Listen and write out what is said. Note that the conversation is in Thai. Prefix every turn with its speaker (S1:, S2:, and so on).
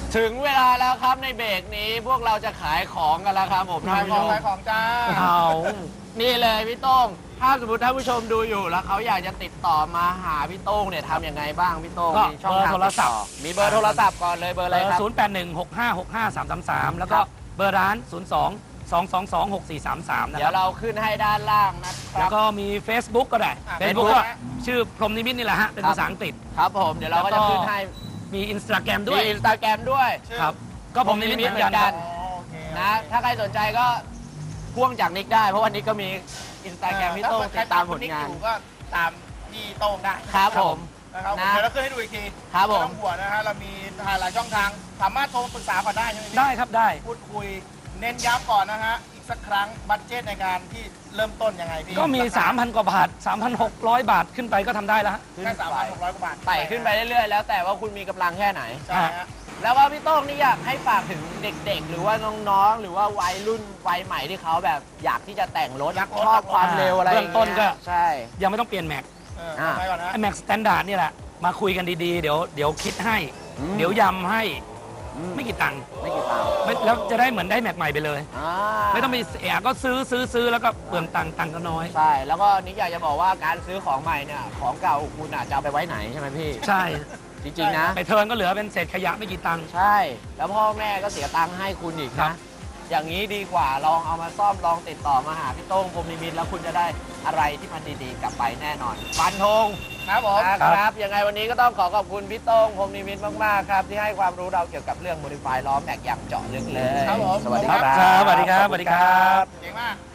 S1: ถึงเวลาแล้วครับในเบรกนี้พวกเราจะขายของกันแล้วครับผม
S2: ขายของจ้า
S1: เอานี่เลยพี่โต้งถ้าสมมติท่านผู้ชมดูอยู่แล้วเขาอยากจะติดต่อมาหาพี่โต้งเนี่ยทำยังไงบ้างพี่โต้ง
S3: ก็
S1: มีช่องทาง
S3: เบอร์โทรศัพท์
S1: มีเบอร์โทรศัพท์ก่อนเลยเบอร์อะไรครับ
S3: 0816565333 แล้วก็เบอร์ร้าน 02-222-6433 นะ
S1: เดี๋
S3: ค
S1: ย
S3: รั
S1: ว
S3: บ
S1: เราขึ้นให้ด้านล่างนะค
S3: แล้
S1: รั
S3: ว
S1: บ
S3: ก็มี Facebook ก็ได้ Facebook ก็ชื่อพรหมนิมิตนี่แหละฮะ เป็นภาษาอังกฤษ
S1: ครับผมเดี๋ยวเราก็จะขึ้นให้
S3: มี Instagram ด้
S1: มี
S3: วย
S1: อินสตาแกรมด้วย
S3: ครับ ก็พรหมนิมิตเหมือนกันครับ
S2: โอเค
S1: นะถ้าใครสนใจก็พ่วงจากนิกได้เพราะวันนี้ก็มีอินสตาแกรมพี่โต้งติดตามผลงาน
S2: อยู่ก็ตามพี่โต้งได้
S1: ครับผม
S2: นะครับ
S1: นะ
S2: เดี๋ยวเราขึ้นให้ดูอีกที
S1: ครับผม
S2: ไต้องห่วงนะฮะเรามีหลายช่องทางสามารถโทรปรึกษาก่อนได้ใช่ไหมพี่
S3: ได้ครับได้
S2: พูดคุยเน้นย้ำก่อนนะฮะอีกสักครั้งบัตเจตในการที่เริ่มต้นยังไงพี่
S3: ก็มี 3,000 กว่าบาท 3,600 บาทขึ้นไปก็ทำได้แล้วฮะ
S2: แค่3,600 กว่าบาท
S1: ไต่ขึ้นไปเรื่อยๆแล้วแต่ว่าคุณมีกำลังแค่ไหน
S2: ใช่ฮะ
S1: แล้วว่าพี่โต้งนี่อยากให้ฝากถึงเด็กๆ หรือว่าน้องๆ หรือว่าวัยรุ่นวัยใหม่ที่เขาแบบอยากที่จะแต่งรถชอบความเร็วอะไรอย่าง
S3: เบื้องต้นก็
S1: เงี้ยใช่
S3: ยังไม่ต้องเปลี่ยนแม็ก
S2: ทำไมก่อนนะ
S3: ไอแม็กสแตนดาร์ดนี่แหละ มาคุยกันดีๆ เดี๋ยวคิดให้ เดี๋ยวยำให้ไม่กี่ตังค์
S1: ไม่กี่ตังค์
S3: แล้วจะได้เหมือนได้แม็กใหม่ไปเลย
S1: อ่า
S3: ไม่ต้องไปเสียก็ซื้อแล้วก็เปลืองตังค์ก็น้อย
S1: ใช่แล้วก็นิกอยากจะบอกว่าการซื้อของใหม่เนี่ยของเก่าคุณอาจจะเอาไปไว้ไหนใช่ไหมพี่
S3: ใช่
S1: จริงๆนะ
S3: ไปเทิร์นก็เหลือเป็นเศษขยะไม่กี่ตังค์
S1: ใช่ แล้วพ่อแม่ก็เสียตังค์ให้คุณอีก
S3: ครั
S1: นะ
S3: บ
S1: อย่างนี้ดีกว่าลองเอามาซ่อมลองติดต่อมาหาพี่โต้งพรหมนิมิตแล้วคุณจะได้อะไรที่มันดีๆกลับไปแน่นอนฟันธง
S2: ครับผม
S1: นะครับยังไงวันนี้ก็ต้องขอบคุณพี่โต้งพรหมนิมิตมากๆครับที่ให้ความรู้เราเกี่ยวกับเรื่อง modify ล้อแม็กอย่างเจาะลึกเลย
S2: ครับผม
S1: สวัสดีครับ
S3: ครับสวัสดีครับ
S2: เก่งมาก